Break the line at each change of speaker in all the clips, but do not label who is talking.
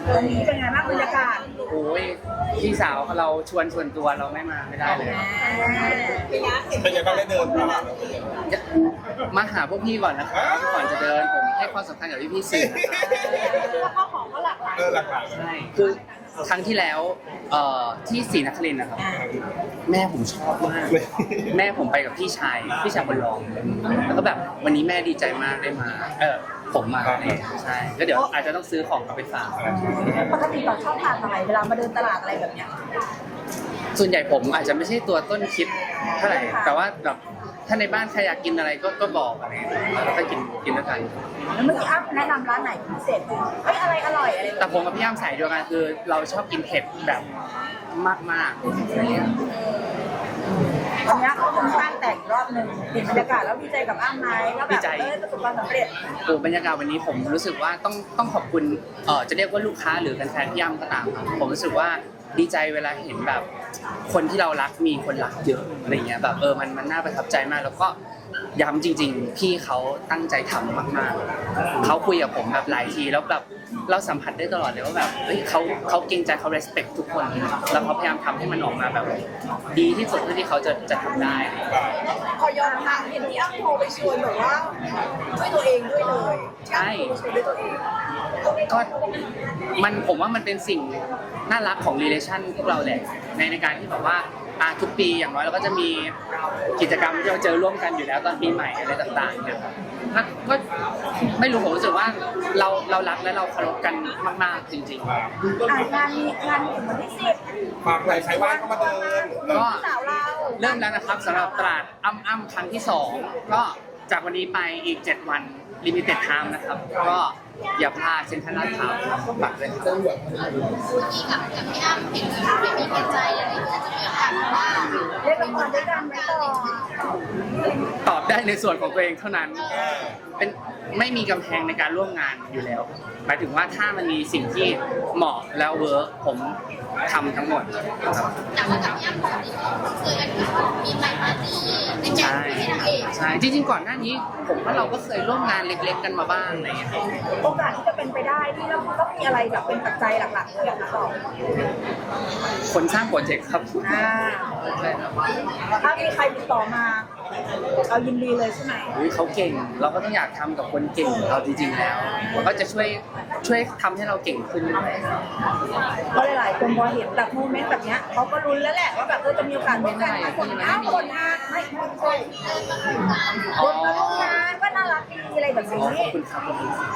วันนี้เป็นไงบ้างบรรยากาศ
โอ้ยพี่สาวเราชวนส่วนตัวเราไม่มาไม่ได้เลย
เป็นยังไงบ้างได้เดินตลาด
มาหาพวกพี่ก่อนนะครับก่อนจะเดินผมให้ความสำคัญกับพี่ๆสื่อนะครับ
แล้วข้าวของก็หลากหลาย
หลักๆ
ใช่คือครั้งที่แล้วที่ศรีนครินทร์นะครับแม่ผมชอบมากแม่ผมไปกับพี่ชายคนรองแล้วก็แบบวันนี้แม่ดีใจมากได้มาผมมาเนี่ยใช่ก็เดี๋ยวอาจจะต้องซื้อของกลับไปฝาก
ปกติเราชอบทานอะไรเวลามาเดินตลาดอะไรแบบเนี้ย
ส่วนใหญ่ผมอาจจะไม่ใช่ตัวต้นคิดเท่าไหร่แต่ว่าแบบถ้าในบ้านใครอยากกินอะไรก็บอกอะไรแล้วก็กินด้วยกัน
แล้วเมื่อกี้อ้ำแนะนำร้านไหนพิเศษไหมอะไรอร่อยอะไร
แต่ผมกับพี่อ้ำสายเดียวกันคือเราชอบกินเผ็ดแบบมากๆอะไรเงี้ย
วันนี้เขาค่อนข้างแต่งรอบหนึ่งเห็นบรรยากาศแล้วดีใจกับอ้ำไหมแล้วแบบประสบความสำเร็จ
โอ้บรรยากาศวันนี้ผมรู้สึกว่าต้องขอบคุณจะเรียกว่าลูกค้าหรือแฟนๆพี่อ้ำก็ตามครับผมรู้สึกว่าดีใจเวลาเห็นแบบคนที่เรารักมีคนรักเยอะอะไรเงี้ยแบบมันน่าประทับใจมากแล้วก็ย้ำจริงๆพี่เขาตั้งใจทำมากๆเขาคุยกับผมแบบหลายทีแล้วแบบเราสัมผัสได้ตลอดเลยว่าแบบเฮ้ยเขาเกรงใจเขา respect ทุกคนแล้วเขาพยายามทำให้มันออกมาแบบดีที่สุดเท่าที่เขาจะทำได้
พอยอมทำเห็นที่อ้ำโทรไปชวนแบบว่าด้วยตัวเองด้วยเลยใช่ชวนด้วยตัวเอง
ก็ผมว่ามันเป็นสิ่งน่ารักของ relation พวกเราแหละในการที่แบบว่าทุกปีอย่างน้อยเราก็จะมีกิจกรรมที่เราเจอร่วมกันอยู่แล้วตอนปีใหม่อะไรต่างๆเนี่ยก็ไม่รู้ผมรู้สึกว่าเรารักและเราเคารพกันมากๆจริงๆ
งานถึงวันที่10
ฝากไหนใครว่างก็มาเดิน
ก็
สาวเรา
เริ่มแล้วนะครับสำหรับตลาดอ้ำครั้งที่2ก็จากวันนี้ไปอีก7วันlimited time นะครับก็อย่าพลาดเซ็นทรัลลาดพร้าวฝากด้วยครับ
ที่กับพี่อ้ำเห็นไม่มีหัวใจอะไรอย่างเงี้ยจะมีโอกาสว่า
เล่นละครด้วยกันไหมต่อ
ตอบได้ในส่วนของตัวเองเท่านั้นเป็นไม่มีกำแพงในการร่วมงานอยู่แล้วหมายถึงว่าถ้ามันมีสิ่งที่เหมาะแล้วเวิร์กผมทำทั้งหมดครับ
แต่ว่ากับพี่อ้ำปกติก็เคยกันมีไปปาร์ตี้ในแก๊ง
ใช่
ที่นางเอก
ใช่จริงๆก่อนหน้านี้ผมว่าเราก็เคยร่วมงานเล็กๆกันมาบ้างอะไรอย่างเงี้ย
โอกาสที่จะเป็นไปได้ที่เราต้องมีอะไรแบบเป็นปัจจัยหลักๆเลยนะต่อ
คนสร้างโปรเจกต์ครับใช่ครับ
ถ้ามีใครติดต่อมาเอายินดีเลยใช่ไหม
อุ๊ยเขาเก่งเราก็ต้องอยากทำกับคนเก่งของเราจริงๆแล้วมันก็จะช่วยทำให้เราเก่งขึ้น
เพราะหลายๆคนพอเห็นแบบโมเมนต์แบบเนี้ยเขาก็ลุ้นแล้วแหละว่าแบบจะมีโอกาสร่วมกันนะคนคนงานไม่คนคนคนมาร่วมงานก็น่ารักดีอะไรแบบนี้
ขอบคุณครับ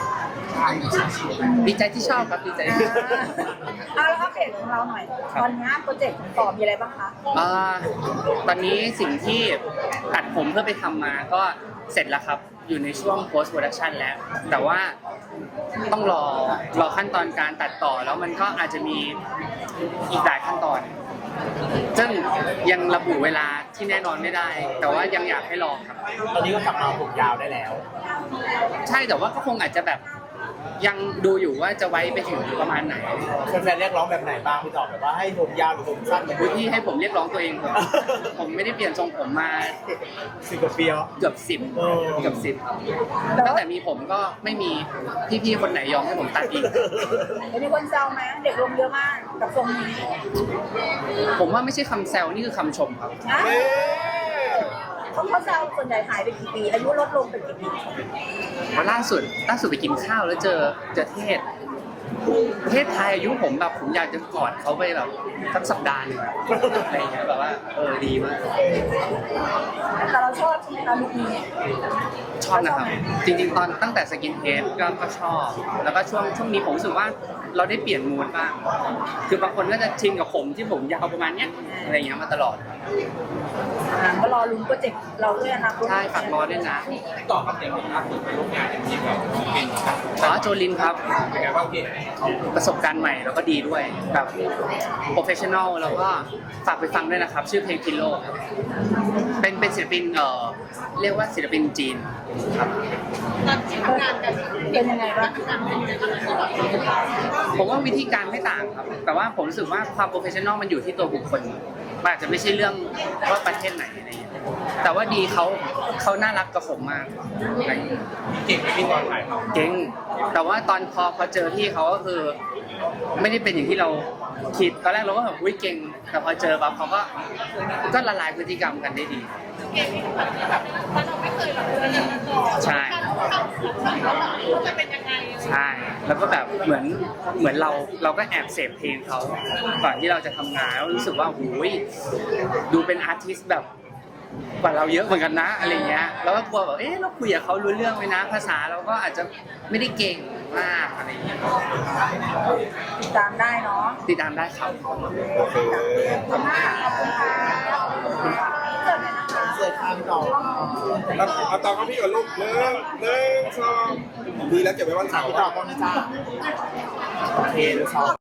ดีใจที่ชอบครับดีใจ
เอาแล้วอัปเดตของเราหน่อยตอนนี้โปรเจกต์ต่อมีอะไรบ้างคะ
ตอนนี้สิ่งที่ตัดผมเพื่อไปทำมาก็เสร็จแล้วครับอยู่ในช่วง post production แล้วแต่ว่าต้องรอขั้นตอนการตัดต่อแล้วมันก็อาจจะมีอีกหลายขั้นตอน ซึ่งยังระบุเวลาที่แน่นอนไม่ได้ แต่ว่ายังอยากให้ลองครับ
ตอนนี้ก็กลับมาผมยาวได้แล้ว
ใช่แต่ว่าก็คงอาจจะแบบยังดูอยู่ว่าจะไว้ไปถึงประมาณไหน
แฟนๆเรียกร้องแบบไหนบ้างพี่ตอบแบบว่าให้ผมยาวหรือผมสั้น
อุ๊ยพี่ให้ผมเรียกร้องตัวเองเถอะผมไม่ได้เปลี่ยนทรงผมมา
10 กว่าปีแล้ว
เกือบ10ตั้งแต่มีผมก็ไม่มีพี่ๆคนไหนยอมให้ผมตัดอีก
มีคนแซวไหมเด็กลงเยอะมากกับทรงนี้
ผมว่าไม่ใช่คำแซวนี่คือคำชมครับ
นะเขาแซวส่วนใหญ่หายไปกี่ปีอายุลดลงไปกี่ปี
เพราะล่าสุดไปกินข้าวแล้วเจอเทศไทยอายุผมแบบผมอยากจะกอดเขาไปแบบสักสัปดาห์หนึงอะอะไรอย่างเงี้ยแบบว่าดีมาก
แต่เราชอบใช่ไหมคะลุคนี้
ชอบนะครับจริงๆตอนตั้งแต่สกินเฮดก็ชอบ แล้วก็ช่วงนี้ผมรู้สึกว่าเราได้เปลี่ยนมูดบ้างคือบางคนก็จะชินกับผมที่ผมยาวประมาณเนี้ยอะไรอย่างเงี้ยมาตลอดครับ
ก็รอลุ้นโปรเจกต์เราด้วยนะ
ใช่ฝากรอด้วยนะ
ต่อครับเด็กล่าสุดไปร่วมงานอย่างที่แบบเป็น
โจลินครับ
เป็นไงบ้างพี่
ประสบการณ์ใหม่แล้วก็ดีด้วยแบบโปรเฟชชั่นอลแล้วก็ฝากไปฟังด้วยนะครับ ชื่อเพลงพิโลครับเป็นศิลปินเรียกว่าศิลปินจีนครับ
ตอนที่ทำงานกัน
เป็นยังไงบ้าง
ผมว่าวิธีการไม่ต่างครับ แต่ว่าผมรู้สึกว่าความโปรเฟชชั่นอลมันอยู่ที่ตัวบุคคลมันอาจจะไม่ใช่เรื่องว่าประเทศไหนอะไรอย่างเงี้ยแต่ว่าดีเขาน่ารักกับผมมากอะไรอย่างเงี้ย
เก่งไหมพี่ตอนถ่ายท
เก่งแต่ว่าตอนพอเจอพี่เขาก็คือ ไม่ได้เป็นอย่างที่เราคิดตอนแรกเราก็แบบอุ้ยเก่งแต่พอเจอปั๊บเขาก็ละลายพฤติกรรมกันได้ดี
เกมนี้แบบเราไม่เคยแบบเจอกันมาก่อน
ใช่
การเข้าเขาจะเป็นยังไง
ใช่แล้วก็แบบเหมือนเราก็แอบเสพเพลงเขาก่อนที่เราจะทำงานแล้วรู้สึกว่าโอ้ยดูเป็นอาร์ติสต์แบบกว่าเราเยอะเหมือนกันนะอะไรเงี้ยแล้วก็กลัวแบบเราคุยกับเขารู้เรื่องไหมนะภาษาเราก็อาจจะไม่ได้เก่งมากอะไรเงี้ย
ติดตามได้เนาะ
ติดตามได้ครับ
ำโอเค
ขอบคุณมากขอบคุณค่ะเกิดเลยนะคะ
เสิร์ฟข้ามพี่ต่อ
เอาต่อกับพี่กับลูกหนึ่งสองดีแล้วเก็บไว้วันเสาร์
พี่ต่อตรงนี้จ้าโอเคดูสอง